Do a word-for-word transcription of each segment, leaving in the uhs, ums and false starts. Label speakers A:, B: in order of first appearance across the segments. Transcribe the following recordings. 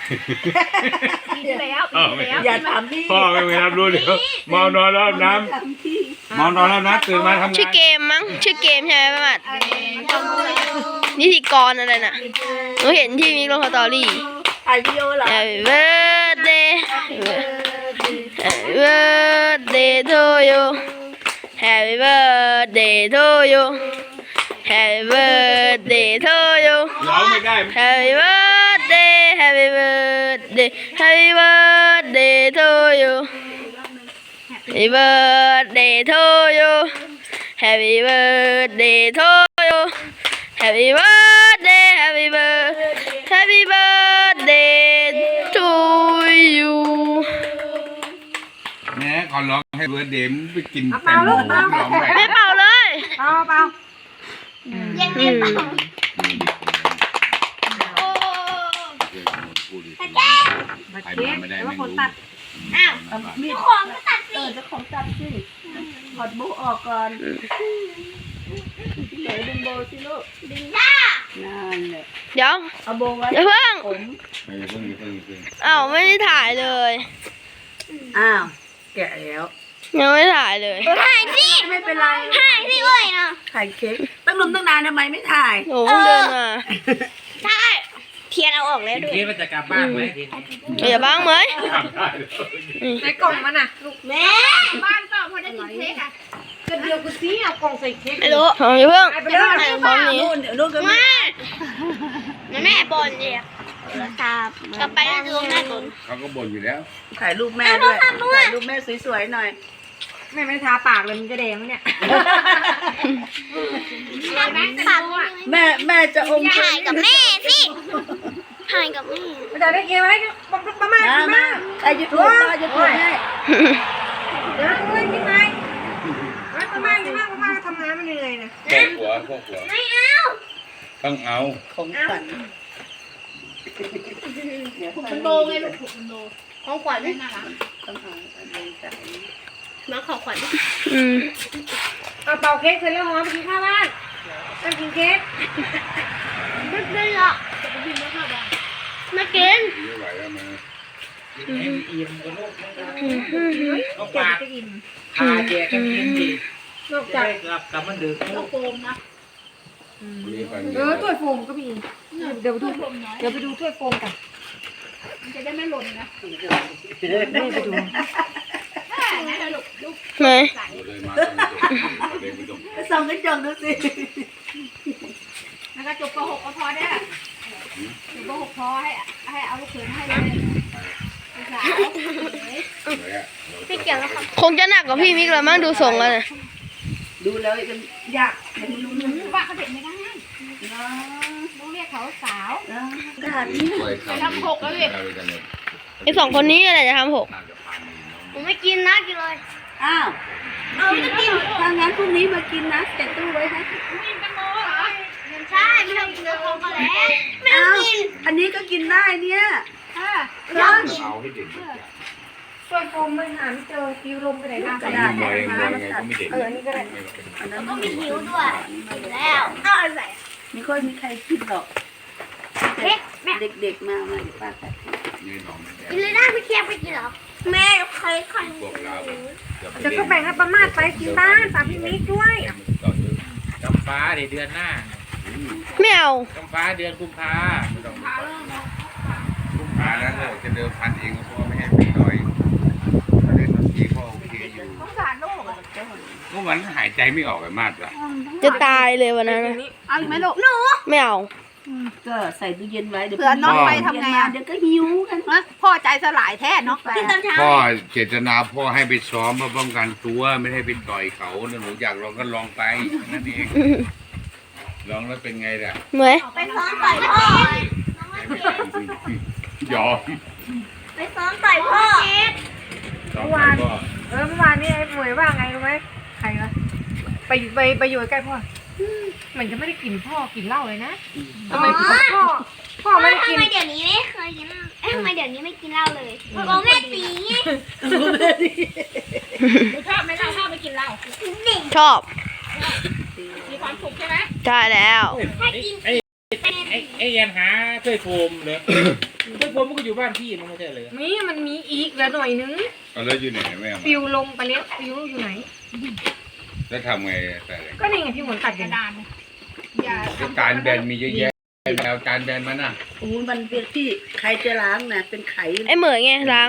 A: ปีที่แล้วปีที่แล้วอย่าถามพี่
B: พ่อไม่ไปรับรู้เดี๋ยวมองนอนรอบน้ำมองนอนรอบน้ำตื่นมาทำงาน
C: ชื่อเกมมั้งชื่อเกมใช่ไหมป้าหมัดนิติกรอะไรน่ะหนูเห็นที่มีลงสตอรี่
A: ถ่ายวิดีโอเหรอ
C: Happy birthday Happy birthday to you Happy birthday to you Happy birthday to you
B: ร้องไม่ได้
C: Happy birthday Happy birthday Happy birthday to you Happy birthday to you Happy birthday to you Happy birthday Happy birthday Happy birthday to you
B: แม่ก่อนร้องให้เบิร์ดเดย์ไปกินแตงโมร้องไป
C: ไม่เป่าเลย
A: เปล่าเปล่า
C: ยังไม่เป่า
A: บัตรเค้กแล้วก็คนตัด
C: อ้าวมีของก็ตัดสิ
A: เออจะของตัดสิถอดโบออกก่อนไหนดึงโบสิลูก
C: ดึงได้
A: นั่นแหละ
C: เดี๋ยว
A: เอาโบไว้
C: เดี๋ยวเพิ่ง
A: ผม
B: ไม่เพิ่งเพิ่งเพิ่ง
C: อ้าวไม่ได้ถ่ายเลย
A: อ้าวแกะแล้ว
C: ยังไม่ถ่ายเลย
D: ถ่ายสิ
A: ไม่เป็นไร
D: ถ่ายสิเว้ยเนาะ
A: ถ่ายเค้กตั้งลมตั้งนานทำไมไม่ถ่าย
C: โอ้เพิ่งเดินมา
D: ใช่เทียนเอาออกแล้วด้วย
E: คิดว่าจะกลับบ้านไหมทีนี้
C: อย่าบ้างไหม
B: ทำได้เลย
A: ในกล่องมันอ่ะลูก
D: แม่
A: บ้านเปล่าพอได้กินเค้กอ่ะก็เดียวกูซี้เอากล่องใส่เค้ก
C: ไม่รู้เอาอย่าเพิ่ง
A: ไปเลย
C: พร้อมนี้
A: นู่นเดี๋ยวนู่นก็ไม่
D: แม่บอลเนี่ยครับกลับไปแล้วดูแม่บอล
B: เขาก็บ่นอยู่แล้ว
A: ถ่ายรูปแม่ด้วยถ่ายรูปแม่สวยๆหน่อยแม่ไม่ทาปากเลยมันจะแดงไหมเนี่ย
D: ฝาก
A: แม่แม่จะอม
D: ถ่ายกับแม่สิถ่ายกับแม่
A: จะได้เกมอะไรประมาณมามาไอ้ยุทธมายุทธให้เดี๋ยวเล่นยังไงประมาณยังไงประมาณทำงานมันเหนื่อยนะ
B: พวกหัวพวกหัว
D: ไม่เอา
B: ต้องเอา
A: ของขวัญ
D: คุณโบไงลูกคุณโบของขวัญนะคะ
A: ต้องเอาอันนี้ใส่
D: มาขอขวัญ
C: อืม
A: เอาเป่าเค้กเสร็จแล้วหอมไปกินข้าวบ้านต้องกินเค้ก
D: ไม่ได้หรอกมากิน
B: ไม่ไหวแล้วมัน
E: อิ่มกับลูก
A: ก็ปากจะอิ่ม
E: พาแจกกันกินดี
A: นอก
E: จะ
A: จาก
E: ได้กลับกลับมันดึกลูก
D: โฟมนะ
B: นี่ฟัน
A: เออถ้วยโฟมก็มีเดี๋ยวไปดูเดี๋ยวไปดูถ้วยโฟมกัน
D: มันจะได้ไม่หล่นนะ
A: แม่ไปดู
C: ไหน
B: เลยมาต้องเดินไปตรง
A: ส่องกระจกดูสิ
D: แล้วก็จบป .หก ก็พอได้จบป .หก พอให้ให้เอาลูกเขยให้เลยสาว
B: เลยอ่ะ
D: ไม่เกี่ยวแล้วครับ
C: คงจะหนักกว่าพี่มิกแล้วมั้งดูทรงแล้วเนี่ย
A: ดูแล้วมันยากมันรู้นึก
D: ว่าเขาเด็กไม่ได้
A: เนาะ
D: ต้องเรียกเขาสาว
A: เนาะกระดาษนี้
B: ทำหกแล้วเลย
C: ไอสองคนนี้อะไรจะทำหก
D: ผมไม่กินนะกินเลย
A: อ้าว
D: เอาจะกิน
A: ถ้างั้นพรุ่งนี้มากินนะเก็บตู้ไว้นะ
D: กินแตงโมเหรอใช่ไม่ต้องกินเนื้อทองก็แล้วไม่ต้องกิน
A: อันนี้ก็กินได้เนี่ย
D: ไม่ต้องกิน
B: เอาให้เด็ก
A: ช่วยโฟมไม่หาไม่เจอฟิวลมไปไหนบ้างกระดาษ
B: มวยมวยไงก็ไม่เด็ก
A: เอออันนี้ก็ได้
D: แล้วก็มีหิวด้วยแล้วเอาอะไร
A: ไม่ค่อยมีใครกินหรอก
D: เค้กแม่
A: เด็กๆมามาเดี๋ยวป้าตัดให้
B: นี่น้อง
D: กินเลยได้ไม่เคียงไปกินหรอแม่เคยใคร
B: พวกเรา
A: จะก็แบ่งให้ป้ามาดไปกินบ้านฝากพี่มิกด้วย
E: กำฟ้าเดี๋ยวเดือนหน้า
C: ไม่เอา
E: กำฟ้าเดือนกุมภา
B: กุมภาแล้วเราจะเดิมพันเองพ่อไม่ให้ไปต่อยเล่นดนตรีพ่อโอเคอยู่
A: สงสารลูก
B: ก็มันหายใจไม่ออกไปมากละ
C: จะตายเลยวันนั้นนะ
A: เอาอีกไหมลูก
D: หนู
C: ไม่เอา
A: ก็ใส่ตู้เย็นไว้เดี๋ยว
F: เผื่อน้องไปทำไงอ่ะ
A: เดี๋ยวก็หิวกัน
F: พ่อใจสลายแท้เนาะ
D: กินตอนเช้า
B: พ่อเจตนาพ่อให้ไปซ้อมเพื่อป้องกันตัวไม่ให้ไปต่อยเขาหนูอยากลองก็ลองไปนั่นเองลองแล้วเป็นไงล่ะ
C: เหมย
D: ไปซ้อมต่อยพ่อย
B: อม
D: ไปซ้อมต่อยพ่อ
B: ซ้อมไปก็
A: เออเมื่อวานนี้ไอ้หมวยว่าไงรู้ไหมใครวะไปไปไปอยู่ใกล้พ่อเหมือนจะไม่ได้กินพ่อกินเหล้าเลยนะทำไมพ่อพ่อไม่ได้กิน
D: ทำไมเดี๋ยวนี้ไม่เคยกินเหล้าเอ๊ะทำไมเดี๋ยวนี้ไม่กินเหล้าเลยเพราะแม่ตีไง
F: ชอบไหมล่ะชอบไปกินเหล้า
C: ชอบ
F: มีความสุขใช่ไหม
C: ใช่แล้ว
D: ถ้ากิน
E: ไอ้ไอ้ไอ้ยันหาโทยโฟมเลยเคยโฟมมันก็อยู่บ้านพี่มันไม่ใช่เลย
A: นี่มันมีอีกแล้วหน่อยนึง
B: เอาแล้วอยู่ไหนแม่มา
A: ฟิวลงไปเล็กฟิวอยู่ไหน
B: แล้วทำไงแต่
A: ก็นี่ไงพี่หมุนตัด
F: ก
A: กั
F: ระ
A: น
F: ดานอย่า
B: จานแบนมีเยอะแยะแล้วจานแบนมันน่ะ
G: โอ้ยมันเป็นที่ใครจะล้างนะเป็นไข่
C: ไอ้เหมยไงล้าง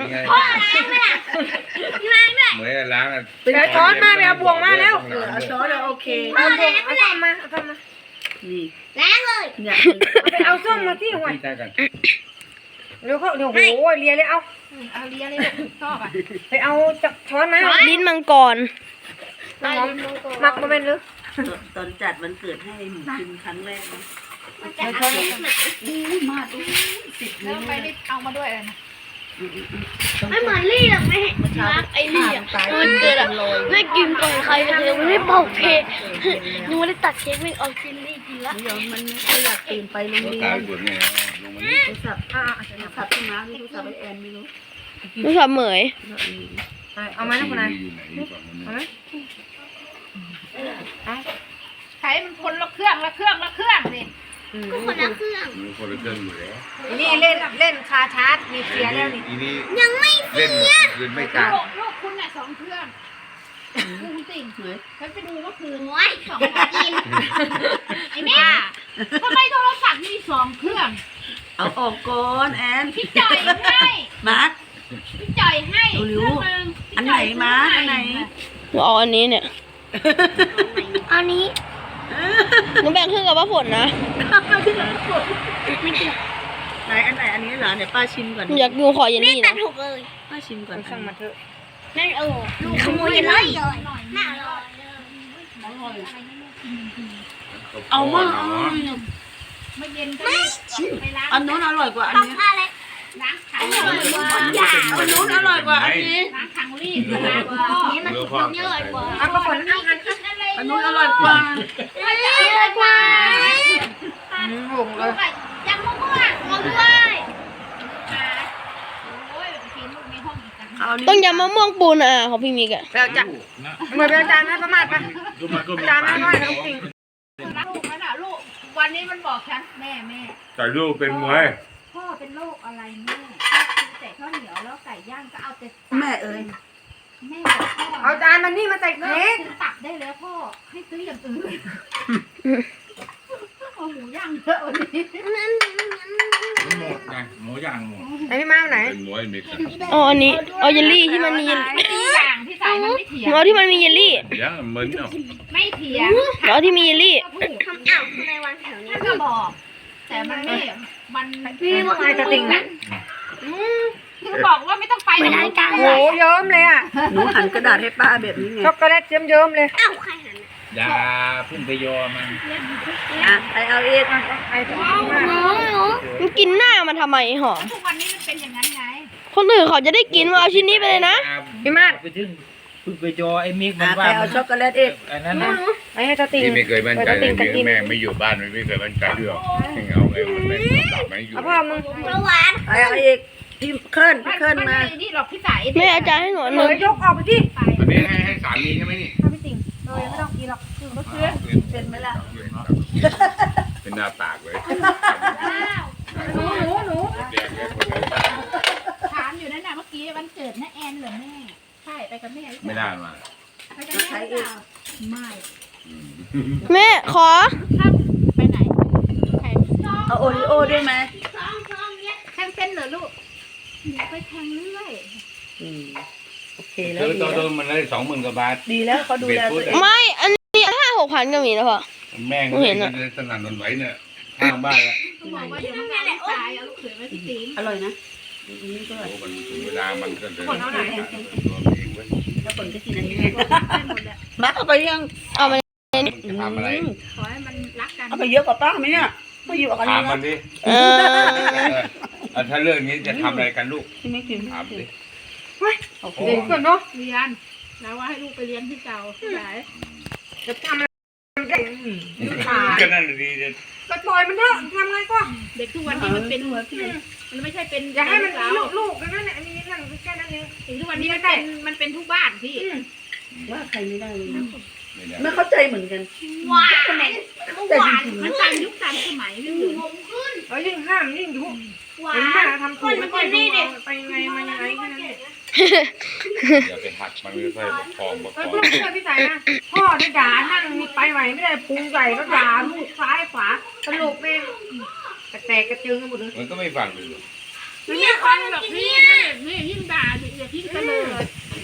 B: เหมือนล้างอ่ะ
A: เดี๋ยวช้อนมาไปเอาบวงมาแล้ว
G: เออเอาช้อนแล้วโอเค
A: เอาบวงเอาส้มมาเอาส้มมา
G: นี่
D: ล้างเลย
G: เนี่ย
A: ไปเอาส้มมาที่หัว
B: พี่ตากัน
A: เดี๋ยวเขาเดี๋ยวโอ้ยเลียเลยเอา
F: เอาเลียเลยชอบอ่ะ
A: ไปเอาจับช้อนมา
C: ลิ้นมังกร
A: น้ำหอมหมักมาเป็นหรือ
G: ตอนจัดวันเกิดให้หมูกินครั้งแรกนะ
D: มันจะเอาลิ้นมา
G: อู้มาดูสิบ
F: แล้ว
G: นิ้ว
F: ไปได้เอามาด้วยเลยนะ
D: ไม่เหมือนลี่หรอกไม่เห็น
C: รักไอ้ลี่อ่ะมันเกิดอ่ะไม่กินก่อนใครเลยไม่ได้เป่าเพลงนึกว่าได้ตัดเค้กไม่เอาจินลี่กินละ
G: เดี๋ยวมันไม่ค่อยอยากตื่นไปโรง
B: รถ
G: เรีย
B: ตาย
G: น
B: ปวดเนี่ยลงมานี่
G: โทรศัพท์
A: อ่า
G: โทรศัพท์ที่มาที่โทรศัพท์ไอแอนไม่รู้
C: ลูกสาวเหมย
A: เอามานะคุณนาย
B: อยู่ไหนอยู่ฝั่งนู้น
A: เอาไหม
F: ใช้มันคนละเครื่องละเครื่องละเครื่องสิ
D: ก็คนละเครื่อง
B: มีคนละเครื่องอยู่แล้ว
A: นี่เล่นเล่นคาชาร์จมีเสียแล้วนี่
B: อีนี่
D: ยังไม่
B: เล่นคืนไม่กล้า
F: ลูกลูกคุณน่ะสองเครื่องคุณติ่ง
G: เหนื่อย
F: ฉันไปดูเมื่อคืน
D: โอ้ยสองกิน
F: ไอ้แม่ทำไมโทรศัพท์มีสองเครื่อง
G: เอาออกก่อนแอน
F: พี่จ่อยให้
G: มาร์ค
F: พี่จ่อยให้
G: เร็วๆ
F: เครื่องนึง
G: อันไหนมาร์คอันไหน
C: เอาอันนี้เนี่ย
D: อันนี้
C: หนูแบ่งครึ่งกับป้าฝนนะ
G: ไหนอันไหนอันนี้เหรอเดี๋ยวป้าชิมก่อน
C: หนูอยากดูขอเยล
D: แม่
C: ลี่
D: ตั
C: นะ
D: ดถูกเลย
G: ป้าชิมก่อน
A: ช่างมาเถอะ
D: นั่นโอ้ขโมยเลยน่าอร่อย
G: เอามา
B: เนาะ
F: เมื่อเย็นก็ไปล้าง
G: อันนู้นอร่อยกว่าอัน
D: ต้อง
G: นี้
D: ผ้าเล็ก
F: ล้างถั
G: อั
F: ง
G: นนู้นอร่อยกว่าอันนี้
F: ล้างถังรีดล้างก็
D: นี่มันถูกเยอะกว่า
A: เอากระป๋องนั่งกัน
G: อันนู้นอร่อยกว่า
D: เยอะกว่า
A: อืมหงเลย
D: ยังมะม่วงมะม่วง
F: โอ้ยกินลูกในห้องอีกต่างหาก
G: เอาอันนี้
C: ต้องยำมะม่วงปูนะของพี่มิกอะ
A: ไปเอาจานเหมือนไปเอาจานให้ประมาทปะจานให้น้อยแล้วจริง
F: รักลูกนั่นน่ะลูกวันนี้มันบอกฉันแม่แม่
B: แต่ลูกเป็นมวย
F: พ่อเป็นโรคอะไรแม่แต่ข้าวเหนียวแล้วไก่ย่างก็เอาแต่
G: แม่เอ้ย
F: แม่บอกพ่อ
A: เอาจานมันนี่มาใส่
F: เลิ
A: เค้ก
F: กซื้อตับได้แล้วพ่อให้ซื้ออย่างอื่นเอาหมูย่างเยอะวันนี้
E: หมดไงหมูย่างหมด
A: ไหนพี่มาไหน
B: เป็นมวยมิกซ์
C: เอาอันนี้เอาเยลลี่ที่มันมีเยล
F: ไม่มีอย่างที่ใส่มันไม่เถียง
C: เอาที่มันมีเยลลี่
B: ยังเหมือนเนาะ
F: ไม่เถียง
C: เอาที่มีเยลลี่
F: ก็พูด
D: ทำอ้าวทำไมวางแถวนี้
F: ท่านก็บอก แต่มันไม่มัน
A: พี่ว่าไงจะติ่งนะ
F: คือบอกว่าไม่ต้องไปไม่ได้กัน
A: โอ้โหเยิ้มเลยอ่ะ
G: หนูหันกระดาษให้ป้าแบบนี้ไง
A: ช็อกโกแลตเยิ้มๆเลย
D: อ้าวใครหัน
E: อย่าพึ่งไปยอมัน
G: อ่ะไปเอาเอง
A: ไอ้ที่มา
D: หนูหนู
C: มันกินหน้ามันทำไมหอม
F: ทุกวันนี้มันเป็นอย่างนั้นไง
C: คนอื่นเขาจะได้กินมาเอาชิ้นนี้ไปเลยนะ
A: พี่มาด
E: ไปถึงพึ่งไปยอไอ้มิกมั
G: อ่ะ
E: น
G: ไป
E: ว่า
G: เอาช็อกโกแลตเอง
E: อันนั้นนะ
A: ไอ้ให้จะติ่ง
B: ที่ไม่เคยมั่นใจ
A: จะ
B: เล
A: ติ่
B: ย
A: งจะกิน
B: แม่ไม่อยู่บ้านไม่เคยมั่นใจเรื่องเอาไงมันไม่หลับไม่อยู่
A: เอาพ่อมึง
D: ประวาน
G: ไปเอาเองพี่เคลื่อนพี่เคลื่อนมา
F: ไนี่หรอกพี่สาย
C: แม่อาจารย์ให้หนูอันห
A: เหม
C: นึ่ง
A: ยยกออกไปที่
B: อันนี้ให้ให้สามีใช่ไหมนี่
A: ถ้าพี่ติ่งเออยังไม่ต้องกินหรอกคือเมื่อคืน
G: เป็นไหมล่ะ
B: เป็นหน้าปากเลย
A: หนูหนูหนู
B: แดงเลยคนเลย
F: ถามอยู่นั่นน่ะเมื่อกี้วันเกิดน้าแอนเหรอแม่ใช่ไปกับแม่หรือเป
B: ไม่
F: ล่า
B: ได้มา
F: ไปกับแม่หรือเปล่าไม่
C: แม่ขอ
F: ถ้าไปไหนใคร
G: เอาโอริโอด้วยไหม
D: สองสองเนี้ย
F: แทงเส้นเหรอลูกหนูไปแทงเรื่อย
G: อืมโอเคแล้
B: เธ
G: ว
B: อ
G: ดี
B: ตัว
G: แล้
B: ตัว วมันได้สองหมื่นกว่าบาท
G: ดีแล้วเขาดูแลตัวเอง
C: ไม่ อันนี้ห้าหกพันก็มีนะพ่อ
B: แม่ง
C: เห็นอะ
B: สนั่นหวันไหวเนี่ยข้างบ้านละ
F: ๆต้องบอกว่าเดี๋ยวมันเอาลูกชายเอาลูกเขยมาที่ตีน
G: อร่อยนะอันนี้ก็อร่อย
B: โอ้มันถึงเวลามันก็จะตัวเองเว้ย
G: แล้วคนก็กินอันนี้
F: ได้หมดแหละ
G: มาเอาไปยัง
C: เอามา
B: มันจะทำอะไร
F: ขอให้มันรักกัน
G: เอาไปเยอะกว่าป้าไหมเนี่ยไม่อยู่กับอัน
B: ถา
G: นี้
B: มมั
G: นะ
B: นดิ
C: เออ
B: เออถ้าเรื่องนี้จะทำอะไรกันลูก
G: ที่ไม่กิน
B: ถามดิ
G: โอเค
A: เดี๋ยวก่อนเนาะ
F: เรียนแล้วว่าให้ลูกไปเรียนที่เก่าที่ไหน
A: จะทำอะไรได้อืมตาย
B: ก็นั่นดีจะ
A: ก็ปล่อยมันเถอะทำไงก็
F: เด็กทุกวันนี้มันเป็นมันไม่ใช่เป็น
A: อย่าให้มัน
F: เรา
A: ลูกลูกนั่นแหละอันนี้นั่นแค่นั้นเอง
F: ถึงทุกวันนี้มันเป็นมันเป็นทุกบ้านพี่
A: อืม
G: ว่าใครไม่ได้เลยนะ
B: ไม่ได้
G: ไม่เข้าใจเหมือนกัน
C: หวาน
G: ทำไม
C: หวาน
F: มันตามยุคตามสมัยพี่หนู
A: แล้วยิ่งห้ามยิ่งยุ
C: หวา
A: เห็น
C: น
A: แม่ทำถูกไม่ค่อยดูเอาไปยังไงมายังไงแค่นั้นเอง
B: อย่าไปหักมันไม่ค่อยประคองประค
A: เออ
B: อง
A: ลูกเชื่อพี่สายนะพ่อได้ด่านั่งมีไปไหวไม่ได้พุงใหญ่ก็ด่าลูกซ้ายขวาสรุปแม่งกระแตกกระเจิงกันหมดเลย
B: มันก็ไม่ฟังเลย
F: นี่คนแบบนี้นี่ยิ่งด่าเด็กยิ่งเตลิด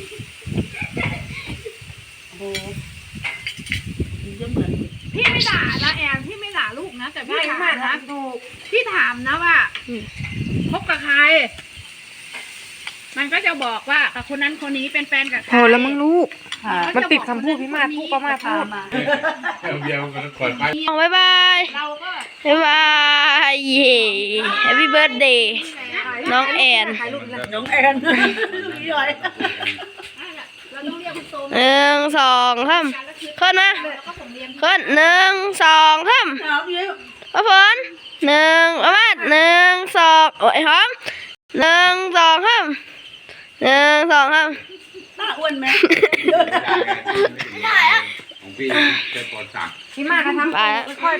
G: โอ้โหมันจะเหมือน
F: พี่ไม่ด่านะแอนพี่ไม่ด่าลูกนะแต่พี่
A: ใช่
F: ถาม
A: มาก
F: นะ
A: นะถูก
F: พี่ถามนะว่าคบกับใคร มันก็จะบอกว่ากับคนนั้นคนนี้เป็นแฟนกับใคร
A: พอแล้วมึงลูก
G: ค่ะ
A: มันติดคำพูดพี่มาพูดประมาทพูด
G: มา
B: เดียวมันคอยไป
C: บ๊ายบาย
F: เราก็
C: บ๊ายบายเย่ Happy birthday น้องแอน
A: ถ่ายรูปเลย
G: น้องแอนพี่ย้อย
F: เราต้องเรียกคุณโต
C: หนึ่งสองสามขึ้นนะ
F: แล้วก็ผมเรียน
C: ขึ้นหนึ่งสองสาม
G: เอาพี่ย้อย
C: พระพลหนึ่งประมาณหนึ่งสองโอ้ยหอมหนึ่งสองสามหนึ่งสองสาม
G: หน้าอ้วนไหม
B: ไม่ได้ของพี่จะปอดสั่ง
A: พี่มาก็ทำค่อย